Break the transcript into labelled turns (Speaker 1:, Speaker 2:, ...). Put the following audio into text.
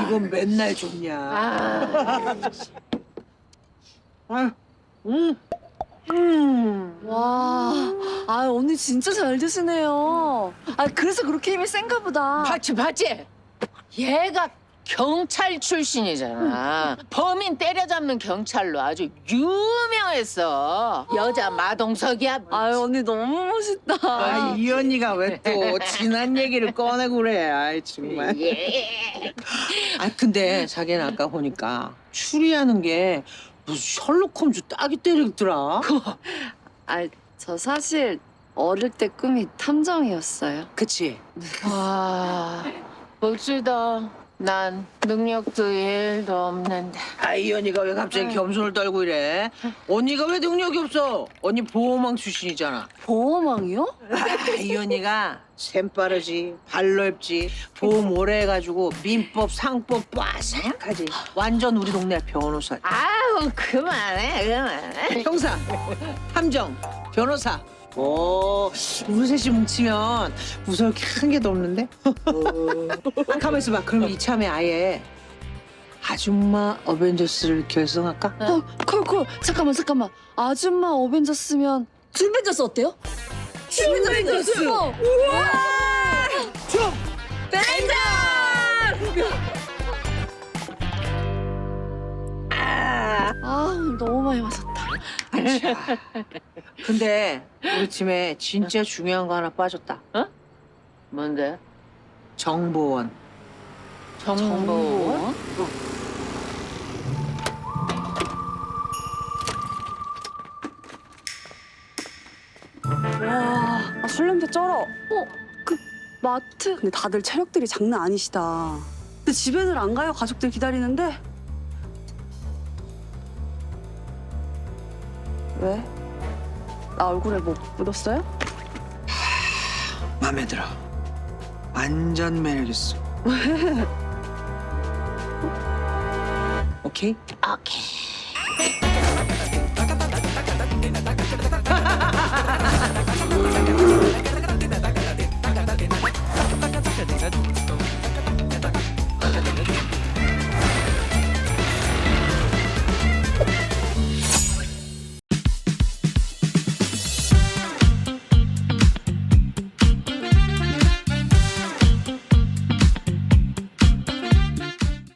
Speaker 1: 그건 맨날 좋냐. 아,
Speaker 2: 와, 아 언니 진짜 잘 드시네요. 아 그래서 그렇게 힘이 센가 보다.
Speaker 3: 봤지? 얘가 경찰 출신이잖아. 범인 때려잡는 경찰로 아주 유명했어. 여자 마동석이야.
Speaker 2: 아유 언니 너무 멋있다.
Speaker 1: 아, 이 언니가 왜 또 지난 얘기를 꺼내고 그래. 아이 정말.
Speaker 3: 예.
Speaker 1: 아 근데 자기는 아까 보니까 추리하는 게 무슨 셜록 홈즈 딱이 때리더라.
Speaker 2: 아 저 사실 어릴 때 꿈이 탐정이었어요.
Speaker 1: 그치?
Speaker 3: 와, 멋지다. 난 능력도 1도 없는데.
Speaker 1: 아, 이 언니가 왜 갑자기 겸손을 떨고 이래? 언니가 왜 능력이 없어? 언니 보호망 출신이잖아.
Speaker 2: 보호망이요?
Speaker 1: 아, 이 언니가 샘 빠르지, 발 넓지, 보험 오래 해가지고 민법, 상법 빠삭하지. 완전 우리 동네 변호사.
Speaker 3: 아우, 그만해.
Speaker 1: 형사, 탐정, 변호사. 오, 우리 셋이 뭉치면 무서울 게 한 개도 없는데? 가만 있어봐. 그럼 이참에 아예 아줌마 어벤져스를 결성할까?
Speaker 2: 콜 잠깐만 아줌마 어벤져스면 줌벤져스 어때요? 줌벤져스 우와 줌벤져스 아 너무 많이 마셨다.
Speaker 1: 근데 우리 팀에 진짜 중요한 거 하나 빠졌다.
Speaker 3: 뭔데?
Speaker 1: 정보원.
Speaker 3: 정보?
Speaker 4: 와, 아, 술 냄새 쩔어.
Speaker 2: 그 마트
Speaker 4: 근데 다들 체력들이 장난 아니시다. 근데 집에들 안 가요? 가족들 기다리는데? 왜? 나 얼굴에 뭐 묻었어요?
Speaker 1: 마음에 들어. 완전 매력 있어. 오케이?
Speaker 3: 오케이.